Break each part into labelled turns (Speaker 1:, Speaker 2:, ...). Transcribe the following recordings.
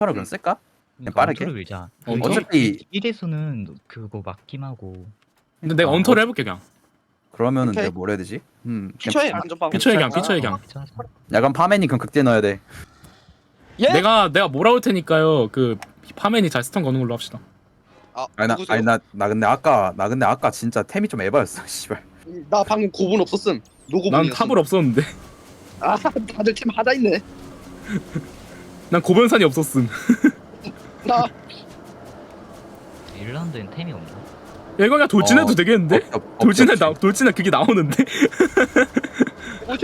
Speaker 1: 바로 그럼 쓸까?
Speaker 2: 그러니까
Speaker 1: 빠르게?
Speaker 2: 언터를 밀자.
Speaker 1: 어차피
Speaker 2: 1에서는 그거 막힘 하고.
Speaker 3: 근데 내가 언터를 해볼게 그냥.
Speaker 1: 그러면은
Speaker 4: 오케이.
Speaker 1: 내가 뭘 해야 되지?
Speaker 4: 피처에 안전빵.
Speaker 3: 피처에 그냥 피처에 그냥.
Speaker 2: 괜찮아.
Speaker 1: 약간 파맨이 그럼 극대 넣어야 돼.
Speaker 4: 예?
Speaker 3: 내가 몰아올 테니까요. 그 파맨이 잘 스턴 거는 걸로 합시다.
Speaker 1: 아니 나 근데 아까 진짜 템이 좀 에바였어. 씨발.
Speaker 4: 나 방금 고분 없었음. 노고분이었음.
Speaker 3: 난 탑을 없었는데.
Speaker 4: 아 다들 팀 하다 있네.
Speaker 3: 난 고변산이 없었음.
Speaker 4: 나
Speaker 2: 일란드엔 템이 없나?
Speaker 3: 야 이거 그냥 돌진해도 되겠는데? 돌진해 그게 나오는데?
Speaker 4: 뭐지?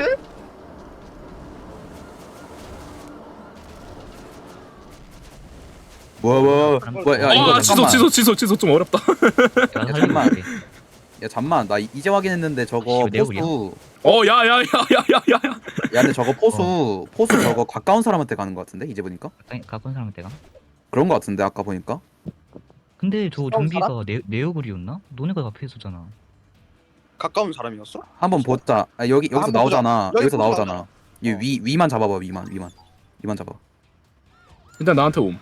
Speaker 1: 뭐야 야 이거
Speaker 3: 아 취소 좀 어렵다.
Speaker 2: 내가
Speaker 1: 잠깐만.
Speaker 2: 살리고 있게.
Speaker 1: 야 잠만 나 이제 확인했는데 저거
Speaker 2: 씨, 내가
Speaker 1: 포수
Speaker 3: 야야야야야야.
Speaker 1: 야 근데 저거 포수 저거 가까운 사람한테 가는 거 같은데 이제 보니까
Speaker 2: 가까운 사람한테 가?
Speaker 1: 그런 거 같은데 아까 보니까
Speaker 2: 근데 저
Speaker 4: 가까운
Speaker 2: 좀비가 네오글이었나? 너네가 앞에 있었잖아.
Speaker 4: 가까운 사람이었어?
Speaker 1: 한번 보자. 아, 여기서
Speaker 4: 한번
Speaker 1: 나오잖아.
Speaker 4: 보자.
Speaker 1: 여기서
Speaker 4: 여기
Speaker 1: 나오잖아. 이 위만 잡아봐 위만 잡아.
Speaker 3: 일단 나한테 옴.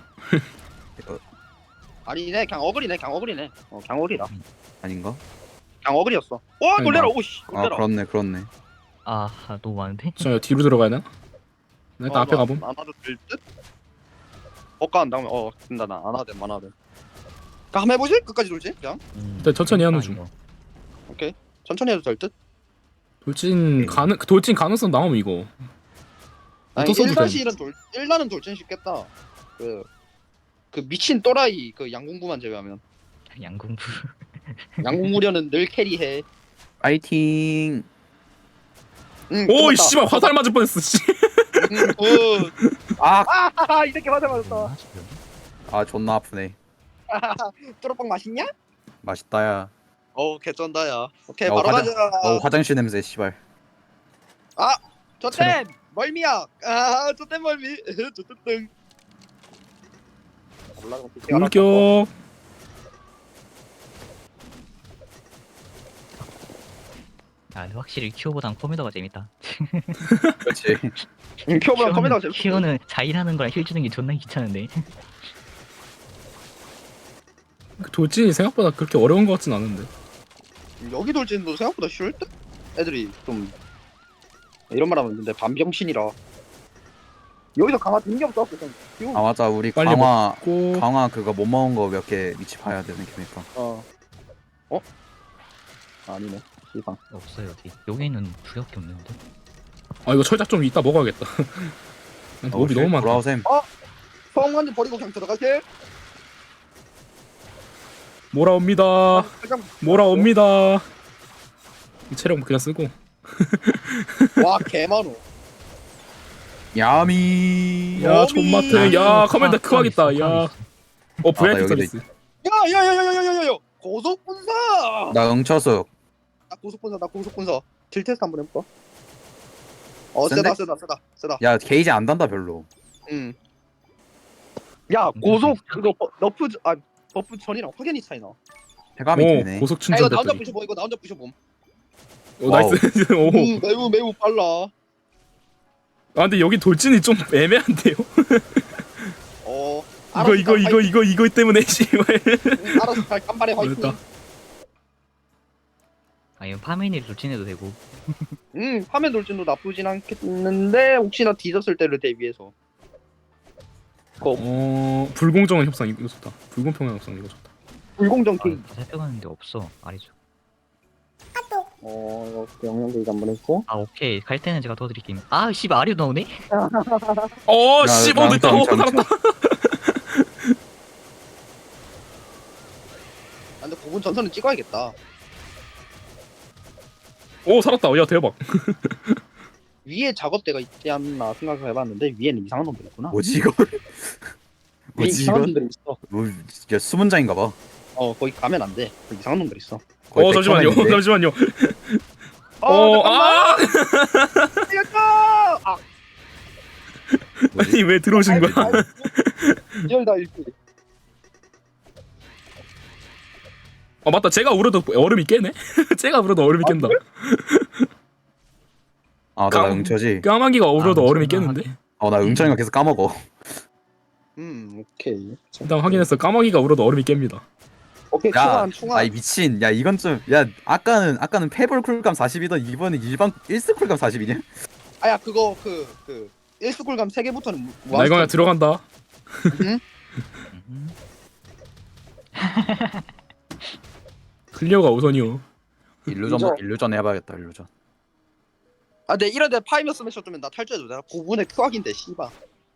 Speaker 4: 아니네 그냥 어글이네 그냥 어글이네. 그냥 어글이다.
Speaker 1: 아닌가?
Speaker 4: 그냥 어글이었어. 와 놀래라.
Speaker 1: 아니,
Speaker 4: 오씨
Speaker 1: 아
Speaker 4: 놀래라.
Speaker 1: 그렇네.
Speaker 2: 아 너무 많은데?
Speaker 3: 저 뒤로 들어가야 되나? 나 일단 앞에 가봄.
Speaker 4: 안 와도 될 듯? 엇가한 다음에 된다 나 안 와도 돼. 그러니까 한번 해보지? 끝까지 돌지? 그냥
Speaker 3: 일단 천천히 하는 중.
Speaker 4: 오케이 천천히 해도 될 듯?
Speaker 3: 돌진 가능성 나오면 이거.
Speaker 4: 아니
Speaker 3: 어떤 써도
Speaker 4: 1-1은 1라는 돌진 쉽겠다. 그 미친 또라이 그 양궁부만 제외하면
Speaker 2: 양궁부.
Speaker 4: 양궁무려는 늘 캐리해.
Speaker 1: 파이팅.
Speaker 4: 응,
Speaker 3: 오
Speaker 4: 끝났다.
Speaker 3: 씨발 화살 맞을 뻔했어. 씨.
Speaker 4: 굿.
Speaker 1: 아
Speaker 4: 이 새끼 화살 맞았다.
Speaker 1: 존나 아프네.
Speaker 4: 뚜러빵 맛있냐?
Speaker 1: 맛있다야.
Speaker 4: 개쩐다야. 오케이
Speaker 1: 어,
Speaker 4: 바로
Speaker 1: 화장-
Speaker 4: 가자.
Speaker 1: 화장실 냄새 씨발.
Speaker 4: 저땐 멀미야. 저땐 멀미. 저땐 등. 올라가면
Speaker 3: 공격.
Speaker 2: 아 근데 확실히 큐어보단 컴퓨터가 재밌다.
Speaker 1: 그렇지.
Speaker 4: 큐어보다 컴퓨터가 재밌어.
Speaker 2: 큐어는 자일하는 거랑 힐 주는 게 존나 귀찮은데.
Speaker 3: 그 돌진이 생각보다 그렇게 어려운 것 같진 않은데.
Speaker 4: 여기 돌진도 생각보다 쉬울 듯? 애들이 좀 이런 말하면 근데 반병신이라 여기서 강화 된게 없어. 그냥
Speaker 1: 아 맞아 우리
Speaker 3: 빨리 먹고.
Speaker 1: 강화 그거 못 먹은 거 몇 개 위치 봐야 되는 게니까.
Speaker 4: 아니네. 시방.
Speaker 2: 없어요 어디. 여기는 두 개밖에 없는데.
Speaker 3: 아 이거 철작 좀 이따 먹어야겠다. 몹이 너무 많다.
Speaker 1: 돌아오셈.
Speaker 4: 성관지 버리고 그냥 들어가세.
Speaker 3: 몰아옵니다. 몰아옵니다. 이 체력 그냥 쓰고.
Speaker 4: 와 개많어.
Speaker 1: 야미.
Speaker 3: 야
Speaker 4: 어미.
Speaker 3: 존마트. 야 커맨드 크하겠다. 야. VIP
Speaker 1: 여기도
Speaker 3: 서비스.
Speaker 4: 야야야야야야야야. 고속분사.
Speaker 1: 나 응처수.
Speaker 4: 나 고속분사. 딜 테스트 한번 해볼까?
Speaker 1: 센데?
Speaker 4: 세다.
Speaker 1: 야 게이지 안 단다 별로.
Speaker 4: 응. 야 고속 이거 버프 전이랑 확연히 차이나.
Speaker 1: 해감이
Speaker 3: 오
Speaker 1: 되네.
Speaker 3: 고속
Speaker 4: 이거 나 혼자
Speaker 3: 충전됐더니.
Speaker 4: 부셔봄. 이거 나 혼자 부셔봄.
Speaker 3: 오 나이스. 오.
Speaker 4: 매우 빨라.
Speaker 3: 아 근데 여기 돌진이 좀 애매한데요. 이거 때문에 씨발.
Speaker 4: 알아서 잘 깜발해 화이팅.
Speaker 3: 됐다.
Speaker 2: 아니면 파메니를 돌진해도 되고.
Speaker 4: 화면 돌진도 나쁘진 않겠는데 혹시나 뒤졌을 때를 대비해서.
Speaker 3: 불공정한 협상 이거 좋다. 불공평한 협상 이거 좋다.
Speaker 4: 불공정
Speaker 2: 아,
Speaker 4: 게임.
Speaker 2: 다 살펴봤는데 없어. 아니죠.
Speaker 4: 이렇게 영양 게임 한번 했고.
Speaker 2: 아 오케이 갈 때는 제가 도와드릴게요. 아 씨발 아리도 나오네?
Speaker 3: 씨발 됐다. 살았다.
Speaker 4: 근데 고분 전선은 찍어야겠다.
Speaker 3: 오 살았다. 야 대박.
Speaker 4: 위에 작업대가 있지 않나 생각을 해봤는데 위에는 이상한 놈들 있구나.
Speaker 1: 뭐지 이거?
Speaker 4: 위에
Speaker 1: 뭐지
Speaker 4: 이상한
Speaker 1: 이거?
Speaker 4: 놈들이 있어.
Speaker 1: 뭐 진짜 수문장인가 봐.
Speaker 4: 거기 가면 안 돼. 거기 이상한 놈들 있어.
Speaker 1: 거의
Speaker 3: 잠시만요.
Speaker 1: 백화점인데.
Speaker 3: 잠시만요.
Speaker 4: 잠깐만. 이겼다.
Speaker 3: 아니 왜 들어오신 거야?
Speaker 4: 열다 일기.
Speaker 3: 맞다. 제가 울어도 얼음이 깨네. 제가 울어도 얼음이 깬다.
Speaker 1: 나 응처지.
Speaker 3: 까마귀가 울어도 얼음이
Speaker 2: 존나
Speaker 3: 깨는데.
Speaker 1: 나 응처니까 계속 까먹어.
Speaker 4: 오케이.
Speaker 3: 일단 확인했어. 까마귀가 울어도 얼음이 깹니다.
Speaker 4: 오케이,
Speaker 1: 야,
Speaker 4: 충환.
Speaker 1: 아이 미친. 야 이건 좀. 야 아까는 패볼 쿨감 40이던 이번에 일반 1스 쿨감 40이냐?
Speaker 4: 아야, 그거, 그, 1스쿨감 3개부터는
Speaker 3: 나 이거 그냥 들어간다.
Speaker 4: 응?
Speaker 2: 음.
Speaker 3: 클리어가 우선이요.
Speaker 1: 일루전 해봐야겠다. 일루전.
Speaker 4: 아, 내 이런데 파이머 스매셔 주면 나 탈주해도 내가 9분의 큐악인데, 씨발.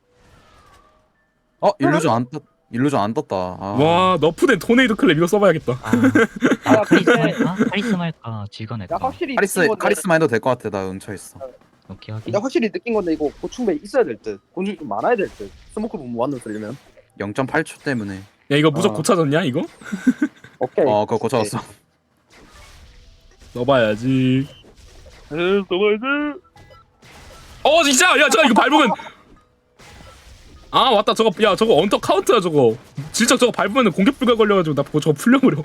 Speaker 1: 일루전 안 떴다. 아.
Speaker 3: 와 너프된 토네이도 클랩 이거 써봐야겠다.
Speaker 2: 아 카리스마 할까? 카리스마 할까? 질건
Speaker 4: 야,
Speaker 2: 할까?
Speaker 4: 확실히 느낀 건데,
Speaker 1: 카리스마 해도 될 것 같아. 나 응처 있어.
Speaker 2: 오케이 확인.
Speaker 4: 야, 확실히 느낀 건데, 이거 고충배 있어야 될 듯. 곤충이 좀 많아야 될 듯. 스모크 분 무한으로 쓰려면.
Speaker 1: 0.8초 때문에.
Speaker 3: 야 이거 무적
Speaker 4: 어.
Speaker 3: 고쳐졌냐 이거?
Speaker 4: 오케이.
Speaker 1: 그거 고쳐왔어.
Speaker 3: 넣어봐야지.
Speaker 4: 너무하지?
Speaker 3: 진짜 야 잠깐 이거 밟으면 아 맞다 저거 야 저거 언터 카운트야 저거 진짜 저거 밟으면 공격 불가 걸려가지고 나 저거 풀려버려.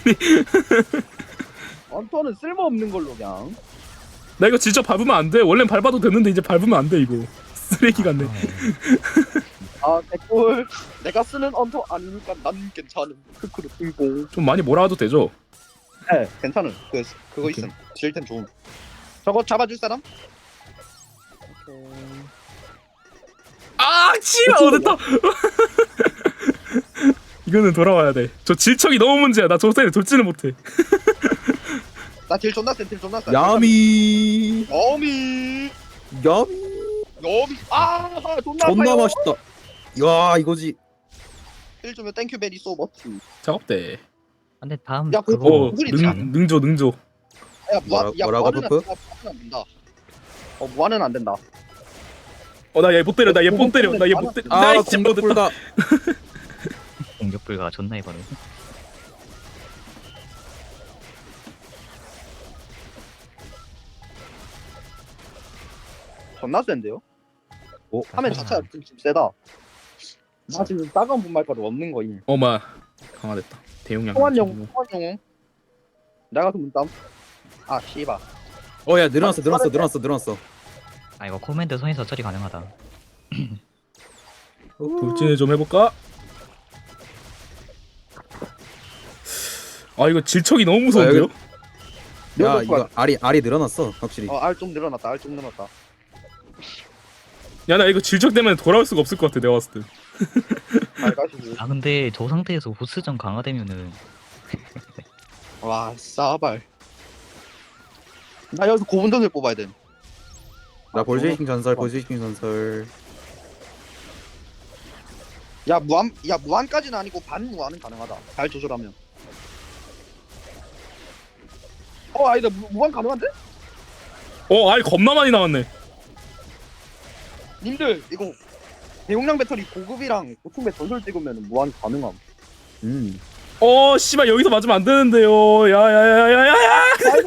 Speaker 4: 언터는 쓸모없는 걸로 그냥.
Speaker 3: 나 이거 진짜 밟으면 안 돼. 원래 밟아도 되는데 이제 밟으면 안 돼 이거. 쓰레기 같네.
Speaker 4: 아, 댓글. 내가 쓰는 언터 아니니까 난 괜찮음. 크크로 빙봉.
Speaker 3: 좀 많이 몰아와도 되죠?
Speaker 4: 네, 괜찮음. 그거
Speaker 3: 오케이.
Speaker 4: 있음. 질템 좋음. 저거 잡아줄 사람? 오케이.
Speaker 3: 아 치아 됐다. 이거는 돌아와야 돼. 저 질척이 너무 문제야. 나 저거 때문에 돌지는 못해.
Speaker 4: 나딜 존나 센, 딜 존나 센.
Speaker 1: 야미.
Speaker 4: 여미.
Speaker 1: 야미.
Speaker 4: 여미. 아, 존나
Speaker 1: 존나
Speaker 4: 아파요.
Speaker 1: 맛있다. 야 이거지.
Speaker 4: 딜 주면 땡큐 베리 소 머치.
Speaker 3: 작업대.
Speaker 2: 근데 다음
Speaker 4: 야, 그거
Speaker 2: 그거
Speaker 4: 무슨 일이지?
Speaker 3: 능조.
Speaker 4: 야,
Speaker 1: 뭐라고,
Speaker 4: 무한은
Speaker 1: 푸푸?
Speaker 4: 안 된다. 무한은 안 된다.
Speaker 3: 나 얘 못 때려. 나 얘 못 때려. 나 얘 못 때려. 나
Speaker 1: 아
Speaker 3: 진짜 못
Speaker 1: 공격
Speaker 3: 됐다.
Speaker 1: 불가.
Speaker 2: 공격 불가 존나 해버려.
Speaker 4: 존나 센데요?
Speaker 1: 오.
Speaker 4: 화면 자체가 좀 세다. 나 지금 따가운 분말가루 없는 거임.
Speaker 3: 어마 강화됐다. 대용량.
Speaker 4: 소환용. 내가 그 문담. 아, 씨발.
Speaker 1: 야 늘어났어.
Speaker 2: 아 이거 코맨드 손에서 처리 가능하다.
Speaker 3: 돌진을 좀 해볼까? 아 이거 질척이 너무 무서운데요?
Speaker 1: 야 이거 알이 늘어났어 확실히.
Speaker 4: 알 좀 늘어났다. 알 좀 늘어났다.
Speaker 3: 야 나 이거 질척 때문에 돌아올 수가 없을 것 같아 내가 봤을 때.
Speaker 4: 알 가시고.
Speaker 2: 아 근데 저 상태에서 보스전 강화되면은
Speaker 4: 와, 싸발. 나 여기서 고분전을 뽑아야 돼.
Speaker 1: 나 볼제이킹 전설.
Speaker 4: 야, 무한까지는 아니고 반 무한은 가능하다. 잘 조절하면. 아니다. 무한 가능한데?
Speaker 3: 알 겁나 많이 나왔네.
Speaker 4: 님들 이거 대용량 배터리 고급이랑 보통배 전설 찍으면 무한 가능함.
Speaker 3: 씨발 여기서 맞으면 안 되는데요. 야야야야야야.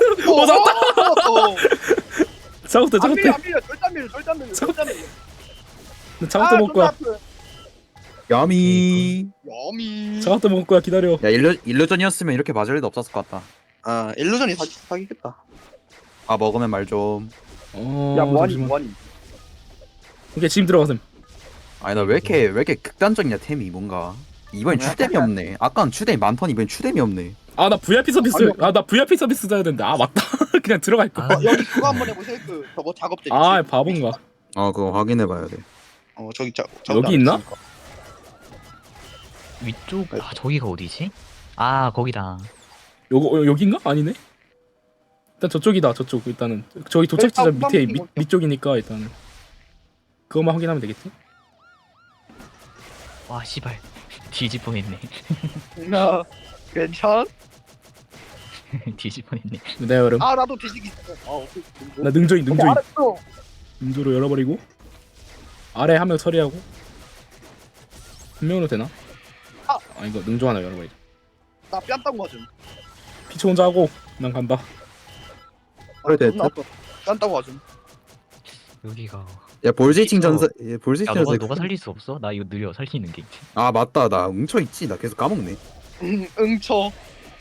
Speaker 3: 작업대.
Speaker 4: 안 밀려. 절대 안 밀려.
Speaker 3: 작업대 먹을 거야.
Speaker 1: 야미.
Speaker 4: 여미.
Speaker 3: 작업대 먹을 거야. 기다려.
Speaker 1: 야 일루전이었으면 이렇게 맞을 일도 없었을 것 같다.
Speaker 4: 아, 일루전이 사기겠다.
Speaker 1: 아 먹으면 말 좀.
Speaker 4: 야, 무한이.
Speaker 3: 오케이 지금 들어가셈.
Speaker 1: 아니 나 왜 이렇게 극단적이냐 템이 뭔가. 이번엔 추뎀이 없네. 아까는 추뎀이 많더니 이번엔 추뎀이 없네.
Speaker 3: 나 VIP 서비스. 나 VIP 서비스 써야 되는데. 맞다. 그냥 들어갈 거.
Speaker 4: 여기 그거 한번 해보세요. 저거 작업대.
Speaker 3: 바본가.
Speaker 1: 그거 확인해봐야 돼.
Speaker 4: 저기
Speaker 3: 여기 있나?
Speaker 2: 위쪽 저기가 어디지? 아 거기다.
Speaker 3: 여긴가? 아니네. 일단 저쪽이다. 저쪽 일단은 저기 도착 지점 밑에 밑쪽이니까 일단은 그것만 확인하면 되겠지?
Speaker 2: 와 씨발 뒤질 뻔했네.
Speaker 4: 나 괜찮?
Speaker 2: 뒤질 뻔했네.
Speaker 3: 내 여름.
Speaker 4: 나도 뒤지기 있어. 오케이.
Speaker 3: 나 능조인
Speaker 4: 오케이, 알았어.
Speaker 3: 능조로 열어버리고 아래 한 명 처리하고 한 명으로 되나? 이거 능조 하나 열어버리자.
Speaker 4: 나 뺨따고 맞음.
Speaker 3: 피치 혼자 하고 난 간다.
Speaker 1: 그래 됐다.
Speaker 4: 뺨따고 맞음.
Speaker 2: 여기가.
Speaker 1: 야 볼제이킹
Speaker 2: 이거-
Speaker 1: 전설.
Speaker 2: 야
Speaker 1: 볼제이킹
Speaker 2: 너가
Speaker 1: 전설.
Speaker 2: 살릴 수 없어? 나 이거 느려 살 수 있는 게.
Speaker 1: 아 맞다 나 응처 있지. 나 계속 까먹네.
Speaker 4: 응쳐.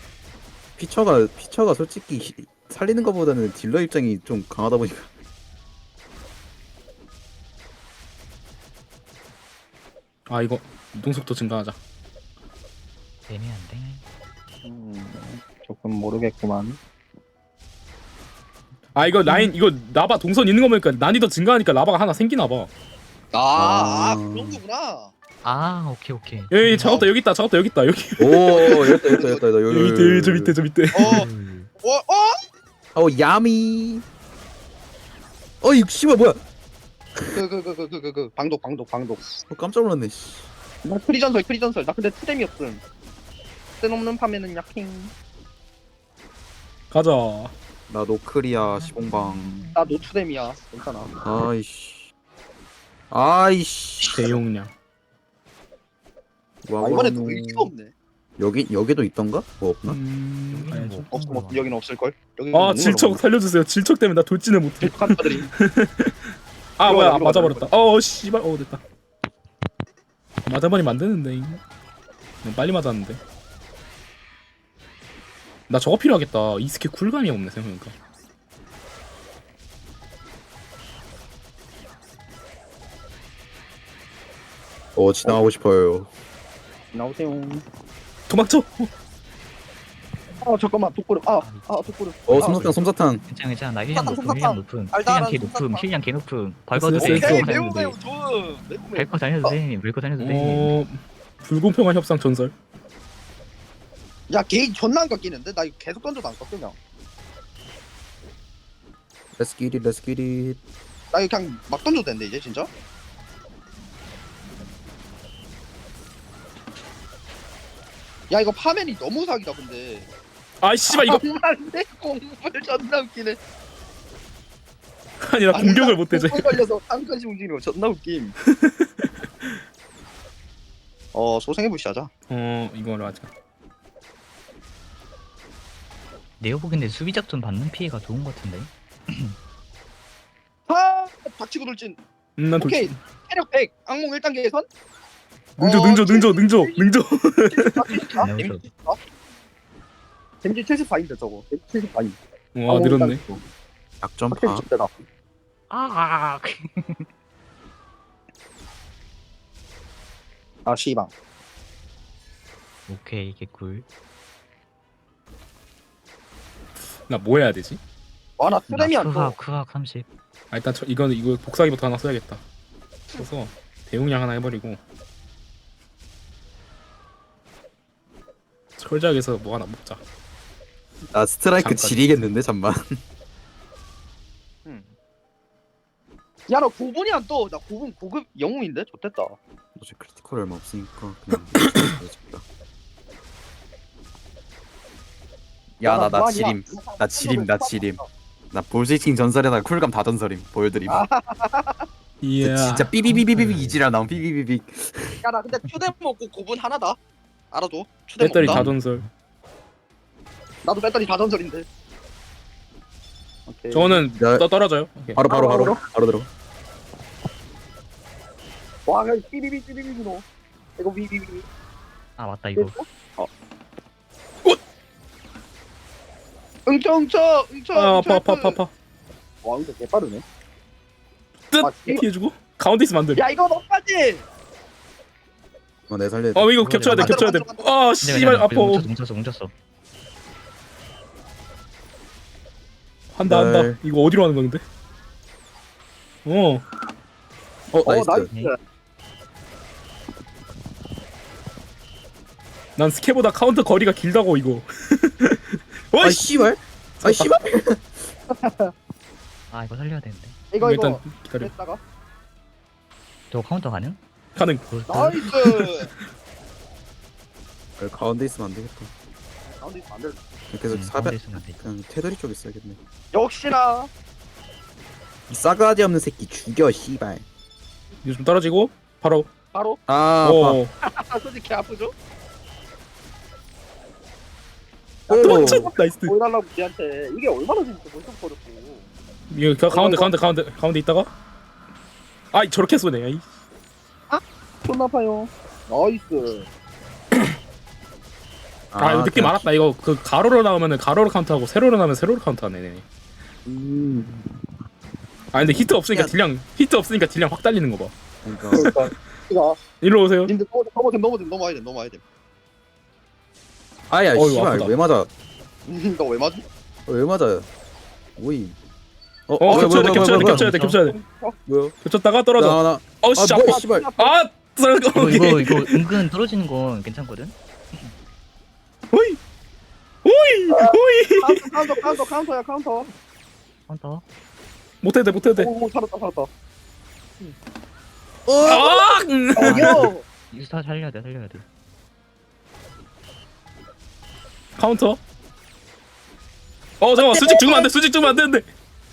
Speaker 1: 피처가 솔직히 살리는 것보다는 딜러 입장이 좀 강하다 보니까.
Speaker 3: 아 이거 이동속도 증가하자.
Speaker 2: 애매한데.
Speaker 4: 조금 모르겠구만.
Speaker 3: 아 이거 라인 이거 라바 동선 있는 거 보니까 난이도 증가하니까 라바가 하나 생기나 봐.
Speaker 4: 그런 거구나.
Speaker 2: 아 오케이 오케이.
Speaker 3: 여기 작업다 여기 있다 작업다 여기 있다 여기.
Speaker 1: 오 여기다 여기
Speaker 3: 저 밑에 저 밑에.
Speaker 1: 어 야미. 어이 씨발 뭐야?
Speaker 4: 방독.
Speaker 1: 깜짝 놀랐네. 씨.
Speaker 4: 나 프리전설. 나 근데 투뎀이 없음. 쓸모없는 파면은 약행.
Speaker 3: 가자.
Speaker 1: 나 노크리아 시봉방.
Speaker 4: 나 노투뎀이야. 괜찮아.
Speaker 1: 아이씨.
Speaker 3: 대용량.
Speaker 1: 와,
Speaker 4: 이번에 또 의기가 없네.
Speaker 1: 여기도 있던가? 뭐 없나?
Speaker 3: 가야죠.
Speaker 4: 없음. 여기는 없을 걸. 여기
Speaker 3: 아 질척 살려주세요. 질척 때문에 나 돌진을 못해.
Speaker 4: 북한들이.
Speaker 3: 아 뭐야
Speaker 4: 이리로
Speaker 3: 맞아버렸다. 씨발 됐다. 맞아버리면 안 되는데. 너무 빨리 맞았는데. 나 저거 필요하겠다. 이 스킬 쿨감이 없네 생각해보니까.
Speaker 1: 지나가고 싶어요.
Speaker 4: 나오세요.
Speaker 3: 도망쳐.
Speaker 4: 잠깐만 독고름. 독고름.
Speaker 1: 솜사탕.
Speaker 2: 괜찮아. 나 힐량 높음
Speaker 4: 솜사탕.
Speaker 2: 힐량 높음.
Speaker 4: 알다,
Speaker 2: 힐량 개
Speaker 4: 솜사탕.
Speaker 2: 높음. 힐량 개 높음. 밟아도
Speaker 3: 됐어,
Speaker 2: 돼.
Speaker 3: 됐어.
Speaker 4: 오케이
Speaker 2: 밟고
Speaker 4: 매우
Speaker 2: 다녀도 돼.
Speaker 4: 좋음.
Speaker 2: 밟고 다녀도 돼. 밀고 다녀도 돼.
Speaker 3: 불공평한 협상 전설.
Speaker 4: 야 게임 존나 안 깎이는데? 나 이거 계속 던져도 안 깎여 그냥.
Speaker 1: Let's get it.
Speaker 4: 나 이거 그냥 막 던져도 되는데 이제 진짜? 야 이거 파면이 너무 사기다 근데.
Speaker 3: 아 씨발 이거
Speaker 4: 안돼 공부를 존나 웃기네.
Speaker 3: 아니 나 공격을 못 되지.
Speaker 4: 공부에 걸려서 한칸씩 움직이는 거 존나 웃김. 소생해부시 하자.
Speaker 3: 이거로 하자.
Speaker 2: 내가 보기엔 수비 작전 받는 피해가 좋은 것 같은데.
Speaker 4: 닥치고 돌진.
Speaker 3: 난
Speaker 4: 오케이
Speaker 3: 돌진.
Speaker 4: 체력 100 악몽 1단계 예선.
Speaker 3: 능조.
Speaker 4: 데미지 74인데 저거. 데미지 74인.
Speaker 3: 와 늘었네.
Speaker 1: 약점파.
Speaker 4: 씨방.
Speaker 2: 오케이 개꿀.
Speaker 3: 나 뭐 해야 되지?
Speaker 4: 나 쓰레미 안 떠.
Speaker 2: 크학 30.
Speaker 3: 일단 이거 복사기부터 하나 써야겠다. 써서 대용량 하나 해버리고 철작에서 뭐 하나 먹자.
Speaker 1: 나 스트라이크
Speaker 3: 잠깐.
Speaker 1: 지리겠는데 잠만.
Speaker 4: 야 너 9분이 안 떠. 나 9분 고급 영웅인데? 좋댔다.
Speaker 1: 어제 크리티컬 얼마 없으니까 그냥. 나 지림. 나 볼스팅 전설에다가 쿨감 다 전설임. 보여드림.
Speaker 3: 이야.
Speaker 1: 진짜 삐비비비비 이지랄 나온 삐비비비.
Speaker 4: 야나 근데 추뎀 먹고 9분 하나다. 알아도 추뎀
Speaker 3: 배터리
Speaker 4: 먹다.
Speaker 3: 다 전설.
Speaker 4: 나도 배터리 다 전설인데. 오케이.
Speaker 3: 저거는
Speaker 1: 야.
Speaker 3: 떨어져요. 오케이.
Speaker 1: 바로 들어.
Speaker 4: 와 그냥 삐비비 너. 이거 비비비.
Speaker 2: 아 맞다 이거.
Speaker 4: 응쳐.
Speaker 3: 아파.
Speaker 4: 와 이거 개빠르네.
Speaker 3: 뜻
Speaker 4: 이거-
Speaker 3: 피해주고 가운데 있으면 안 돼.
Speaker 4: 야 이거 너까지.
Speaker 1: 내 살려.
Speaker 3: 이거 겹쳐야 돼. 아 씨발 아파.
Speaker 2: 뭉쳤어.
Speaker 3: 한다.
Speaker 1: 네.
Speaker 3: 이거 어디로 하는 건데?
Speaker 1: 나이스.
Speaker 4: 나이스.
Speaker 3: 난 스케보다 카운터 거리가 길다고 이거.
Speaker 1: 아 씨발. 아 씨발.
Speaker 2: 아 이거 살려야 되는데.
Speaker 4: 이거
Speaker 3: 일단 기다려.
Speaker 4: 했다가
Speaker 2: 저 카운터 가능?
Speaker 3: 가능.
Speaker 4: 나이스.
Speaker 1: 가운데 있으면 안 되겠다.
Speaker 4: 가운데 있으면 안 돼.
Speaker 1: 계속
Speaker 2: 가운데
Speaker 1: 사배
Speaker 2: 있으면 안 돼.
Speaker 1: 그냥 테두리 쪽에 있어야겠네.
Speaker 4: 역시나.
Speaker 1: 이 싸가지 없는 새끼 죽여 씨발.
Speaker 3: 이거 좀 떨어지고 바로.
Speaker 4: 바로.
Speaker 3: 오.
Speaker 4: 솔직히 아프죠?
Speaker 3: 도망쳐. 나이스.
Speaker 4: 보여달라고 걔한테 이게 얼마나 재밌어 벌써 버렸고.
Speaker 3: 이거 가운데 있다가. 저렇게 쏘네. 아이.
Speaker 4: 존나 아파요. 나이스.
Speaker 3: 이거 느낌 알았다. 이거 그 가로로 나오면은 가로로 카운트하고 세로로 나오면 세로로 카운트하네.
Speaker 1: 음.
Speaker 3: 근데 히트 없으니까 딜량 확 달리는 거 봐.
Speaker 1: 그러니까
Speaker 4: 가.
Speaker 3: 일로 오세요.
Speaker 4: 님들 넘어와야 돼.
Speaker 1: 아야
Speaker 3: 어이구,
Speaker 1: 씨발
Speaker 3: 아프다.
Speaker 1: 왜 맞아?
Speaker 4: 너왜 맞아?
Speaker 1: 왜 맞아? 오이.
Speaker 3: 겹쳐야 돼, 겹쳐야 돼, 겹쳐야 돼, 겹쳐야 돼.
Speaker 1: 뭐야?
Speaker 3: 겹쳤다가 떨어져.
Speaker 1: 나.
Speaker 3: 어씨,
Speaker 1: 아
Speaker 3: 아파.
Speaker 1: 뭐야 씨발.
Speaker 3: 아,
Speaker 2: 이거 은근 떨어지는 건 괜찮거든.
Speaker 3: 호이, 호이, 호이.
Speaker 4: 카운터야 카운터.
Speaker 2: 카운터.
Speaker 3: 못해도 돼, 못해도 돼.
Speaker 4: 오 살았다.
Speaker 3: 아,
Speaker 4: 요.
Speaker 2: 이거 살려야 돼.
Speaker 3: 카운터. 잠깐만, 수직 죽으면 안 되는데.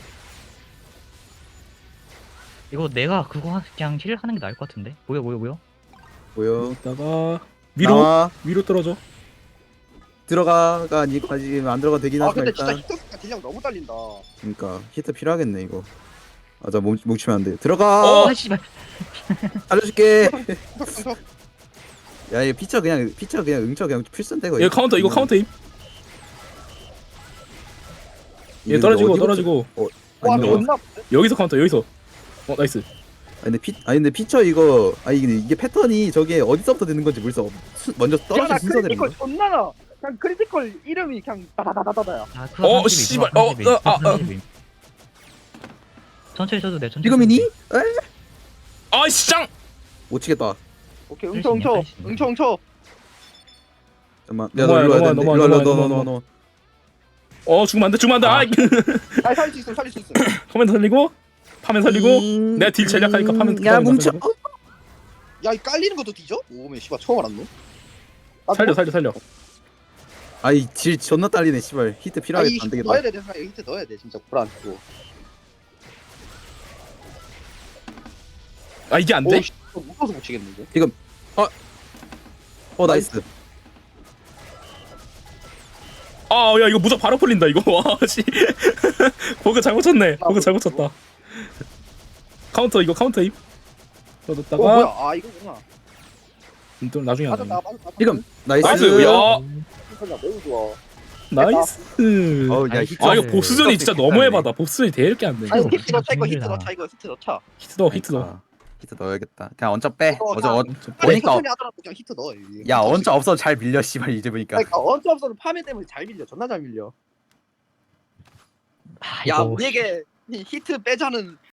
Speaker 2: 이거 내가 그거 그냥 힐 하는 게 나을 것 같은데. 뭐야.
Speaker 1: 뭐야?
Speaker 3: 이따가
Speaker 1: 나와.
Speaker 3: 위로 떨어져.
Speaker 1: 들어가가 아직 안 들어가 되긴
Speaker 4: 아
Speaker 1: 하지만
Speaker 4: 근데 진짜
Speaker 1: 일단.
Speaker 4: 히트가 딜량 너무 딸린다.
Speaker 1: 그러니까 히트 필요하겠네 이거. 아자 뭉치면 안 돼. 들어가.
Speaker 2: 씨발.
Speaker 1: 알려줄게. 야, 이거 피처 그냥 응처 그냥 필수인데 거의.
Speaker 3: 이거 카운터, 이거 카운터임. 얘
Speaker 1: 이거
Speaker 3: 떨어지고
Speaker 1: 어디부터-
Speaker 3: 떨어지고.
Speaker 4: 와
Speaker 1: 아니,
Speaker 4: 존나.
Speaker 3: 여기서 카운터, 여기서. 나이스.
Speaker 1: 근데 피처 이거 이게 패턴이 저게 어디서부터 되는 건지 모르겠어. 먼저 떨어진
Speaker 4: 야나
Speaker 1: 순서 되는
Speaker 4: 크리티컬
Speaker 1: 거.
Speaker 4: 존나 나. 그냥 크리티컬 이름이 그냥 다다다다다야.
Speaker 3: 씨발.
Speaker 2: 천천히 쳐도 돼. 천천히.
Speaker 1: 지금이니?
Speaker 2: 쳐도 돼.
Speaker 3: 아, 시장.
Speaker 1: 못 치겠다.
Speaker 4: 오케이
Speaker 2: 할수 있냐, 할수 있냐.
Speaker 4: 응쳐.
Speaker 1: 잠깐만.
Speaker 3: 넘어와요,
Speaker 1: 일로 와야 되는데.
Speaker 3: 넘어와,
Speaker 1: 일로 와,
Speaker 3: 넘어와.
Speaker 1: 너.
Speaker 3: 죽으면 안 돼. 아이.
Speaker 4: 아 살릴 수 있어.
Speaker 3: 커맨드 살리고, 파면 살리고. 내가 딜 전략하니까 파면
Speaker 1: 야 뭉쳐.
Speaker 3: 살리고.
Speaker 4: 야 이 깔리는 것도 뒤져? 오메 씨발 처음 알았노.
Speaker 3: 살려.
Speaker 1: 아이 질 존나 딸리네 씨발. 히트 필요하게 안 되겠다.
Speaker 4: 넣어야 돼. 히트 넣어야 돼. 진짜 불안.
Speaker 3: 아, 이게 안 돼?
Speaker 4: 오, 묶어서 못 치겠는데.
Speaker 1: 나이스.
Speaker 3: 아, 야, 이거 무적 바로 풀린다, 이거. 와, 씨. 버그 잘못 쳤네. 버그 잘못 쳤다. 카운터, 이거 카운터임. 넣었다가,
Speaker 4: 뭐야? 아 이거구나.
Speaker 3: 또 나중에 안
Speaker 4: 맞았다.
Speaker 3: 돼.
Speaker 1: 지금 나이스.
Speaker 3: 나이스, 야,
Speaker 4: 매우 좋아.
Speaker 3: 나이스.
Speaker 1: 어우, 야,
Speaker 2: 아니,
Speaker 1: 히트.
Speaker 3: 아, 이거 보스전이 진짜 너무 해봐다. 보스전이 되게 안 돼.
Speaker 4: 아니
Speaker 2: 이거
Speaker 4: 히트 넣자 이거 히트
Speaker 2: 힘들다.
Speaker 4: 넣자 이거 히트 넣자.
Speaker 3: 히트 넣어.
Speaker 1: 아, 히트 넣어야겠다. 그냥 언적 빼.
Speaker 4: 어,
Speaker 1: 어제
Speaker 4: 나-
Speaker 3: 좀
Speaker 4: 아니
Speaker 1: 보니까
Speaker 4: 천천히 하더라도 그냥 히트 넣어. 여기.
Speaker 1: 야 언적 없어 잘 밀려 씨발 이제 보니까.
Speaker 4: 그러니까 언제 없어도 파면 때문에 잘 밀려. 존나 잘 밀려.
Speaker 2: 아,
Speaker 4: 야
Speaker 2: 이거
Speaker 4: 우리에게 히트 빼자는